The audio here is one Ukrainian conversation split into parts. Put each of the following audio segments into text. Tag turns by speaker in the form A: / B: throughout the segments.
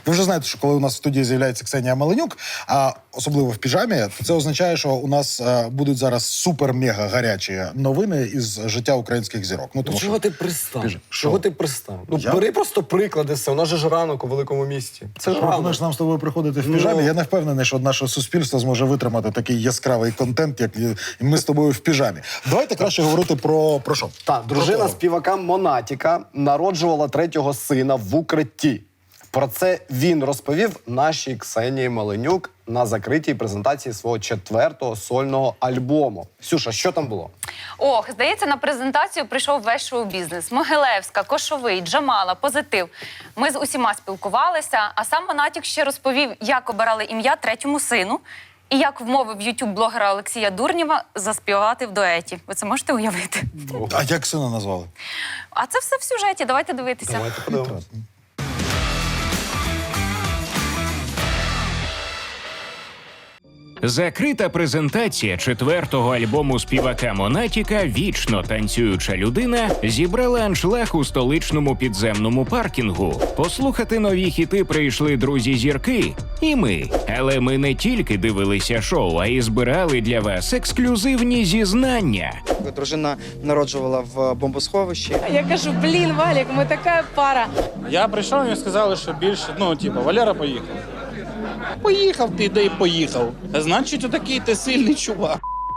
A: Ви вже знаєте, що коли у нас в студії з'являється Ксенія Маленюк, а особливо в піжамі, то це означає, що у нас будуть зараз супер-мега гарячі новини із життя українських зірок. Ну, тому
B: чого ти пристав?
A: Що?
B: Чого ти пристав? Ну, бери просто приклади, у нас же ж ранок у великому місті. Це ж ранок.
A: Пропонуєш нам з тобою приходити в піжамі? Я не впевнений, що наше суспільство зможе витримати такий яскравий контент, як і ми з тобою в піжамі. Давайте краще говорити про що?
B: Так, дружина співака Монатіка народжувала третього сина в укритті. Про це він розповів нашій Ксенії Маленюк на закритій презентації свого 4-го сольного альбому. Ксюша, що там було?
C: Ох, здається, на презентацію прийшов весь шоу-бізнес. Могилевська, Кошовий, Джамала, Позитив. Ми з усіма спілкувалися, а сам Монатік ще розповів, як обирали ім'я третьому сину і як вмовив ютуб-блогера Олексія Дурнєва заспівати в дуеті. Ви це можете уявити?
A: А як сина назвали?
C: А це все в сюжеті, давайте дивитися.
B: Давайте подивимось.
D: Закрита презентація 4-го альбому співака Монатіка «Вічно танцююча людина» зібрала аншлаг у столичному підземному паркінгу. Послухати нові хіти прийшли друзі-зірки і ми. Але ми не тільки дивилися шоу, а й збирали для вас ексклюзивні зізнання.
E: Дружина народжувала в бомбосховищі.
F: Я кажу, блін, Валік, ми така пара.
G: Я прийшов, мені сказали, що більше, Валера поїхав. Поїхав ти, де й поїхав. Значить, отакий ти сильний чувак.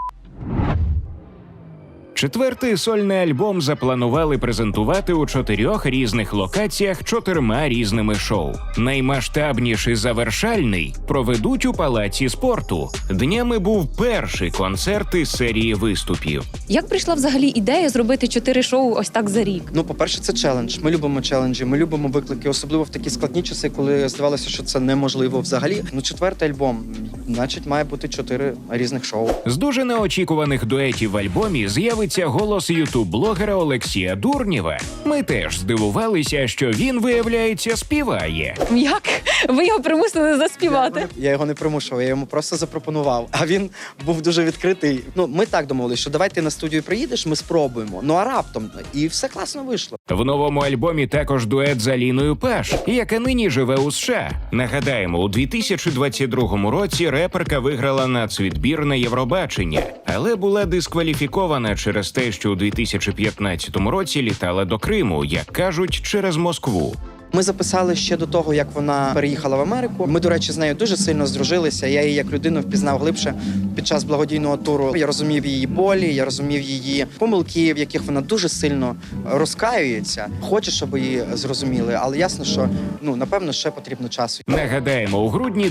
D: 4-й сольний альбом запланували презентувати у 4 різних локаціях 4 різними шоу. Наймасштабніший завершальний проведуть у Палаці спорту. Днями був перший концерт із серії виступів.
F: Як прийшла взагалі ідея зробити 4 шоу ось так за рік?
E: Ну, по-перше, це челендж. Ми любимо челенджі, ми любимо виклики, особливо в такі складні часи, коли здавалося, що це неможливо взагалі. Ну, 4-й альбом, значить, має бути 4 різних шоу.
D: З дуже неочікуваних дуетів в альбомі з'явиться голос ютуб-блогера Олексія Дурнєва. Ми теж здивувалися, що він, виявляється, співає.
F: Як? Ви його примусили заспівати?
E: Я його не примушував, я йому просто запропонував. А він був дуже відкритий. Ну, ми так домовилися, що давай ти на студію приїдеш, ми спробуємо. Ну, а раптом. І все класно вийшло.
D: В новому альбомі також дует з Аліною Паш, яка нині живе у США. Нагадаємо, у 2022 році реперка виграла нацвідбір на Євробачення, але була дискваліфікована через те, що у 2015 році літала до Криму, як кажуть, через Москву.
E: Ми записали ще до того, як вона переїхала в Америку. Ми, до речі, з нею дуже сильно здружилися. Я її як людину впізнав глибше під час благодійного туру. Я розумів її болі, я розумів її помилки, в яких вона дуже сильно розкаюється. Хоче, щоб її зрозуміли, але ясно, що, напевно, ще потрібно часу.
D: Нагадаємо, у грудні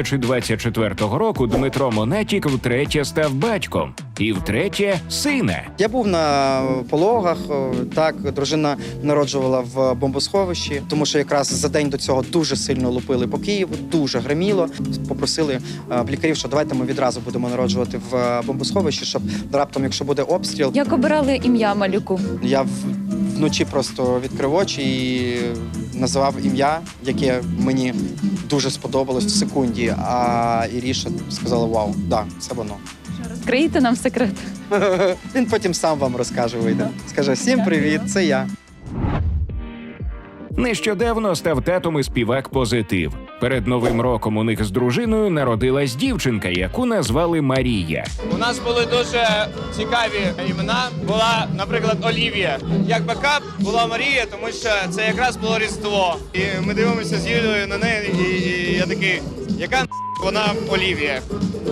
D: 2024 року Дмитро Монатік втретє став батьком. І втретє – сина.
E: Я був на пологах, так, дружина народжувала в бомбосховищі, тому що якраз за день до цього дуже сильно лупили по Києву, дуже гриміло. Попросили лікарів, що давайте ми відразу будемо народжувати в бомбосховищі, щоб раптом, якщо буде обстріл...
F: Як обирали ім'я малюку?
E: Я вночі просто відкрив очі і називав ім'я, яке мені дуже сподобалось в секунді, а Іріша сказала: вау, да, це воно.
F: Розкриєте нам секрет?
E: Він потім сам вам розкаже, вийде. Скаже: всім привіт, це я.
D: Нещодавно став татом і співак Позитив. Перед Новим роком у них з дружиною народилась дівчинка, яку назвали Марія.
H: У нас були дуже цікаві імена. Була, наприклад, Олівія. Як бекап була Марія, тому що це якраз було Різдво. І ми дивимося з Юлією на неї, і я такий: яка вона Олівія?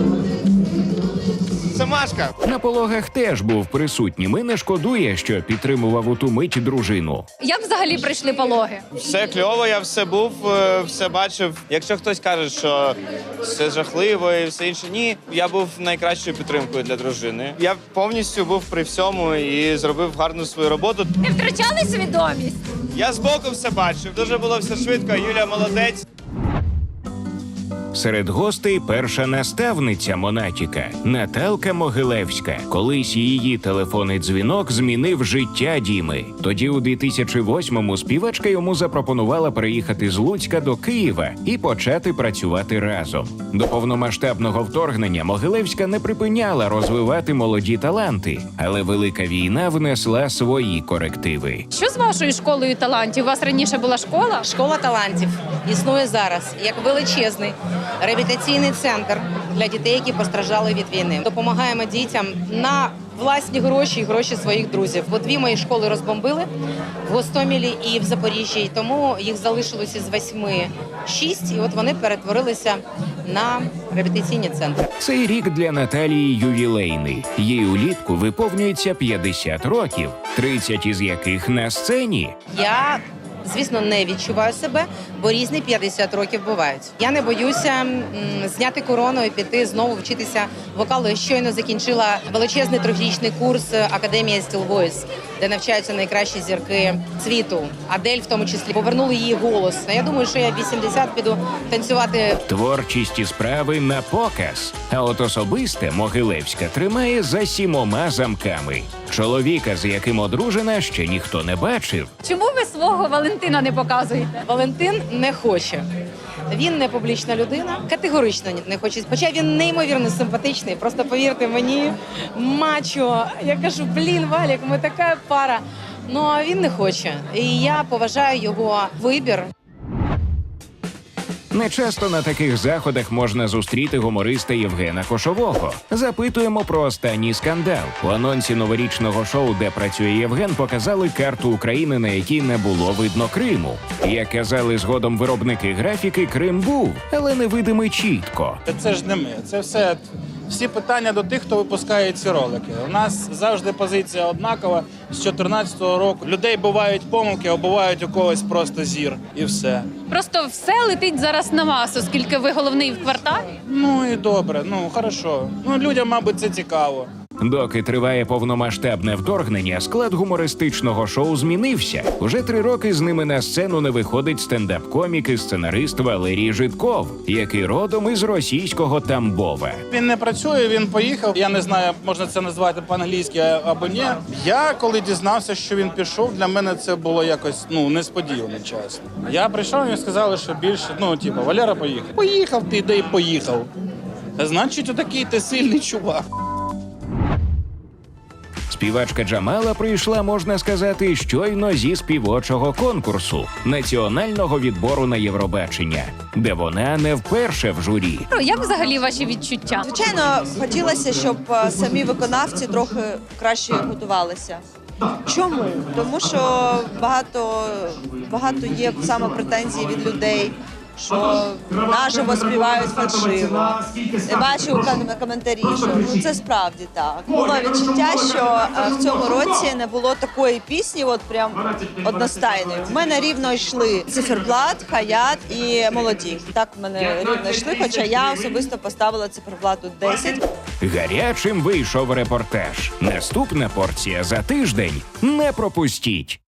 H: Це Машка.
D: На пологах теж був присутнім і не шкодує, що підтримував у ту мить дружину.
F: Як взагалі прийшли пологи?
H: Все кльово, я все був, все бачив. Якщо хтось каже, що все жахливо і все інше, ні. Я був найкращою підтримкою для дружини. Я повністю був при всьому і зробив гарну свою роботу.
F: Не втрачали свідомість?
H: Я збоку все бачив. Дуже було все швидко, Юля молодець.
D: Серед гостей перша наставниця Монатіка Наталка Могилевська. Колись її телефонний дзвінок змінив життя Діми. Тоді у 2008-му співачка йому запропонувала переїхати з Луцька до Києва і почати працювати разом. До повномасштабного вторгнення Могилевська не припиняла розвивати молоді таланти, але велика війна внесла свої корективи.
F: Що з вашою школою талантів? У вас раніше була школа?
I: Школа талантів існує зараз як величезний реабілітаційний центр для дітей, які постраждали від війни. Допомагаємо дітям на власні гроші і гроші своїх друзів. Бо 2 мої школи розбомбили в Гостомелі і в Запоріжжі, і тому їх залишилося з 8 6, і от вони перетворилися на реабілітаційні центри.
D: Цей рік для Наталії ювілейний. Їй улітку виповнюється 50 років, 30 із яких на сцені.
I: Я, звісно, не відчуваю себе, бо різні 50 років бувають. Я не боюся зняти корону і піти знову вчитися вокалу. Я щойно закінчила величезний 3-річний курс Академія Still Voice, де навчаються найкращі зірки світу. Адель в тому числі. Повернули її голос. Я думаю, що я в 80 піду танцювати.
D: Творчість і справи на показ. А от особисте Могилевська тримає за 7 замками. Чоловіка, з яким одружена, ще ніхто не бачив.
F: Чому ви свого Валентина не показуєте?
I: Валентин не хоче. Він не публічна людина, категорично не хоче. Хоча він неймовірно симпатичний. Просто повірте мені, мачо. Я кажу, блін, Валік, ми така пара. Ну, а він не хоче. І я поважаю його вибір.
D: Нечасто на таких заходах можна зустріти гумориста Євгена Кошового. Запитуємо про останній скандал. У анонсі новорічного шоу, де працює Євген, показали карту України, на якій не було видно Криму. Як казали згодом виробники графіки, Крим був, але невидимий чітко.
G: Це ж не ми. Це все всі питання до тих, хто випускає ці ролики. У нас завжди позиція однакова. З 14-го року людей бувають помилки, а бувають у когось просто зір. І все.
F: Просто все летить зараз на вас, оскільки ви головний в кварталі.
G: Ну і добре, ну хорошо. Ну людям, мабуть, це цікаво.
D: Доки триває повномасштабне вторгнення, склад гумористичного шоу змінився. Уже 3 роки з ними на сцену не виходить стендап-комік і сценарист Валерій Жидков, який родом із російського Тамбова.
G: Він не працює, він поїхав. Я не знаю, можна це назвати по-англійськи або ні. Я, коли дізнався, що він пішов, для мене це було якось, несподівано, чесно. Я прийшов, і сказали, що більше, Валера поїхав. Поїхав ти, де й поїхав. Значить, отакий ти сильний чувак.
D: Співачка Джамала прийшла, можна сказати, щойно зі співочого конкурсу національного відбору на Євробачення, де вона не вперше в журі.
F: Як взагалі ваші відчуття?
J: Звичайно, хотілося, щоб самі виконавці трохи краще готувалися. Чому? Тому що багато є саме претензій від людей, що наживо співають фальшиво. Я бачу коментарі, що це справді так. Було відчуття, що в цьому році не було такої пісні, от прям одностайної. В мене рівно йшли Циферблат, Хаят і Молоді. Так в мене рівно йшли, хоча я особисто поставила Циферблату 10.
D: Гарячим вийшов репортаж. Наступна порція за тиждень. Не пропустіть!